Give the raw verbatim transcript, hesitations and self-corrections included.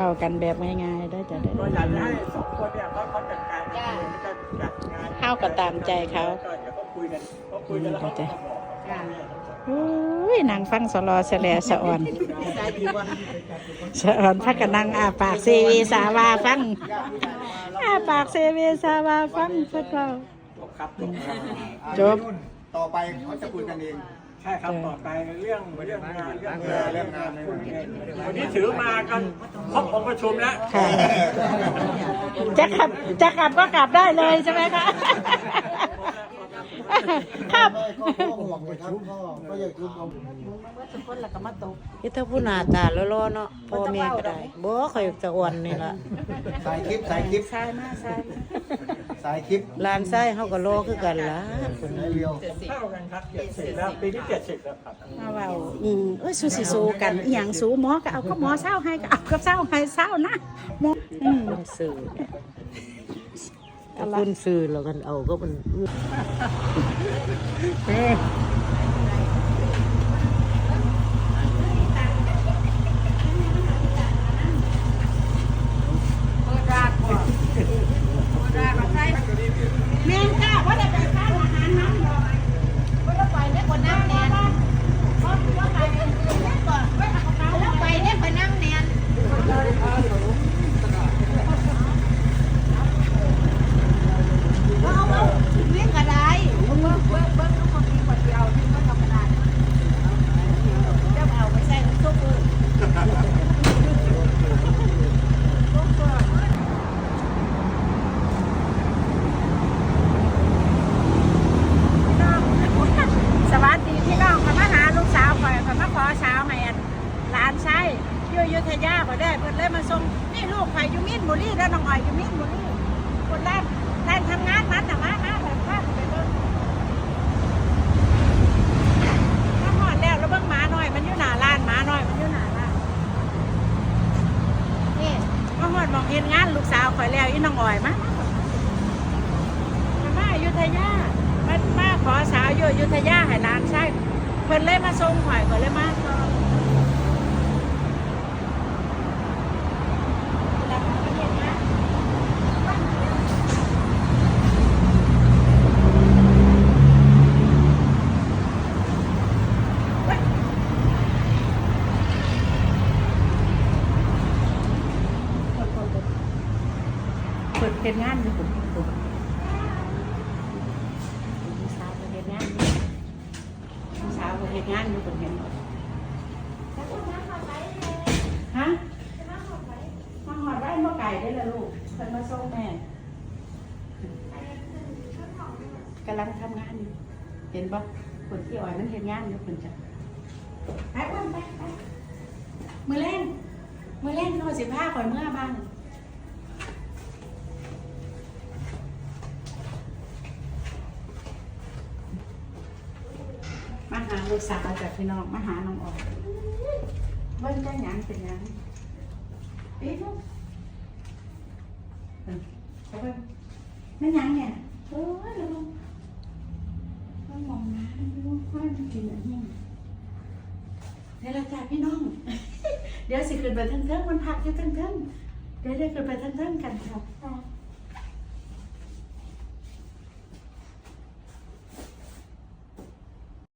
ากันแบบง่ายๆได้จะได้ก็อยากให้สองคนเนี่ยเขาเขาจัดการกันเองจะจัดงานเข้าก็ตามใจเขาก็เดี๋ยวเขาคุยกันเขาคุยกันแล้วเขาจะบอกอุ้ยนางฟังสลอเสลสะอ่อนสะอ่อนพักกันนั่งอาปากเซเวสาวาฟังอาปากเซเวสาวาฟังสักเราจบต่อไปเขาจะคุยกันเองใช่ครับต่อไปเรื่องเรื่องงานเรื่องงานเรื่องงานวันนี้ถือมากันครบองค์ประชุมแล้วจะกลับจะกลับก็กลับได้เลยใช่ไหมคะครับที่ถ้าผู้หน้าตาล้อๆเนาะพ่อแม่ก็ได้บ่ค่อยจะอ่อนนี่ล่ะสายคลิปสายคลิปใช่มาใช่สายคลิปหลานชายเฮาก็รอคือกันล่ะคนไหนเรียวเท่ากันครับเจ็ดสิบแล้วปีที่เจ็ดสิบแล้วครับมาเว้าอืมเอ้ยสู้สิสู้กันอีหยังสู้หมอก็เอาก็หมอเศร้าให้ก็เอาก็เศร้าให้เศร้านะหมออืมสื่อถ้าคุณซื้อแล้วกันเอาก็มันแม่นจ้าว่าได้ไปทานอาหารน้ำดอยว่าได้ไปได้คนน้ำแนนว่าว่าไปก่อนแล้วไปได้คนน้ำแนนเอาเอาเลี้ยงกระไดเบิ้งเบิ้งเบิ้งเบิ้งทุกคนมีคนเดียวที่ก็ธรรมดาเจ้าเอาไปใส่ซุปเลยสวัสดีพี่น้องมาหาลูกสาวคอยมาขอสาวให้หลานชายอยู่อยุธยาพอได้เพิ่นเลยมาส่งนี่ลูกข่อยอยู่มีนบุรีแล้วน้องอ้อยอยู่มีนบุรีคนแรกแทนทำงานนั้นแต่มามาแบบพาไปเบิ่งมาหอดแล้วแล้วเบิ่งหมาหน่อยมันอยู่หน้าร้านหมาหน่อยมันอยู่หน้าร้านนี่มาหอดมองเห็นงานลูกสาวข่อยแล้วอีน้องอ้อยมามามาอยุธยามามาขอสาวอยู่อยุธยาให้หลานชายเพิ่นเลยมาส่งข่อยก็เลยมาเปิดเป็นงานอยู่ผมผมสาวเห็นงานสาวเห็นงานอยู่ผมเห็นฮะมาหอดไว้เมื่อไก่ได้ละลูกเพิ่นมาส่งแม่กำลังทำงานอยู่เห็นปะคนที่อ่อยมันเห็นงานอยู่คนจะไปอ้วนไปไปมือเล่นมือเล่นโน่สิบห้าข่อยเมื่อบ้างมาหาลูกสาวจากพี่น้องมาหาน้องออกเบิ้ลได้ยังเป็นยังปี๊บเบิ้ลนั่นยังเนี่ยโอ้ยแล้วต้องมองน้ำดูค่อยมันกินอันนี้เดี๋ยวเราจ่ายพี่น้องเดี๋ยวสิขึ้นไปทั้งๆมันพักอยู่ทั้งๆเดี๋ยวได้ขึ้นไปทั้งๆกันครับ